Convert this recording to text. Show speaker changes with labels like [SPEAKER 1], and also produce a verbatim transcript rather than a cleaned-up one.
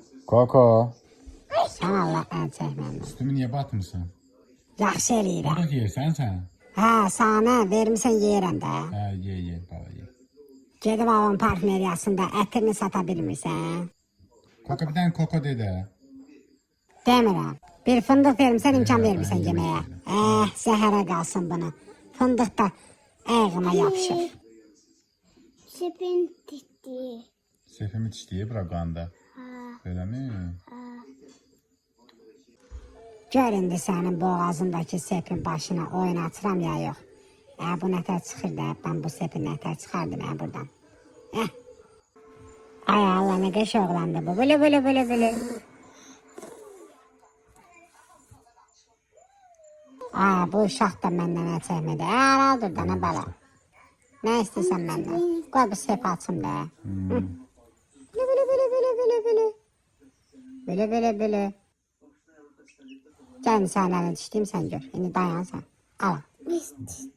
[SPEAKER 1] Koko.
[SPEAKER 2] Sən Allah'tan çəkməm.
[SPEAKER 1] Üstümü niye batmışsın?
[SPEAKER 2] Yaxşı eləyirəm.
[SPEAKER 1] Burada yersen sen.
[SPEAKER 2] Hə, sana vermişsən yeyirəm də.
[SPEAKER 1] Ha ye ye baba ye.
[SPEAKER 2] Gedib avon parfumeriyasında ətrini sata bilmirsən.
[SPEAKER 1] Koko bir tane koko dede.
[SPEAKER 2] Demirəm. Bir fındıq vermişsən, imkan
[SPEAKER 1] Ee,
[SPEAKER 2] vermirsən
[SPEAKER 1] ben
[SPEAKER 2] yeməyə.
[SPEAKER 1] yemek
[SPEAKER 2] Eh, zəhərə qalsın bunu. Fındıq da ayağıma yapışır.
[SPEAKER 3] Sepin titti.
[SPEAKER 1] Sefimi çiştiği bırakanda.
[SPEAKER 3] Ha,
[SPEAKER 1] Öyle mi?
[SPEAKER 3] ha.
[SPEAKER 2] Gör indi sənin boğazındakı sepin başına oynatıram ya yox. Ə, bu nətər çıxır da, mən bu sepin nətər çıxardım ə, buradan. Eh. Ay Allah, nə qəş oğlandı bu. Böyle böyle böyle böyle. Ay, bu uşaq da məndən nə çəkmədi. Ə, al dur da, nə bala. Nə istəyirsən məndən? Qoy bu sepi açım da. Hı. Böyle böyle böyle böyle böyle böyle. Böyle böyle böyle. Gəl sən əlini dişləyim sən gör. İndi dayan sən. Al.
[SPEAKER 3] Biz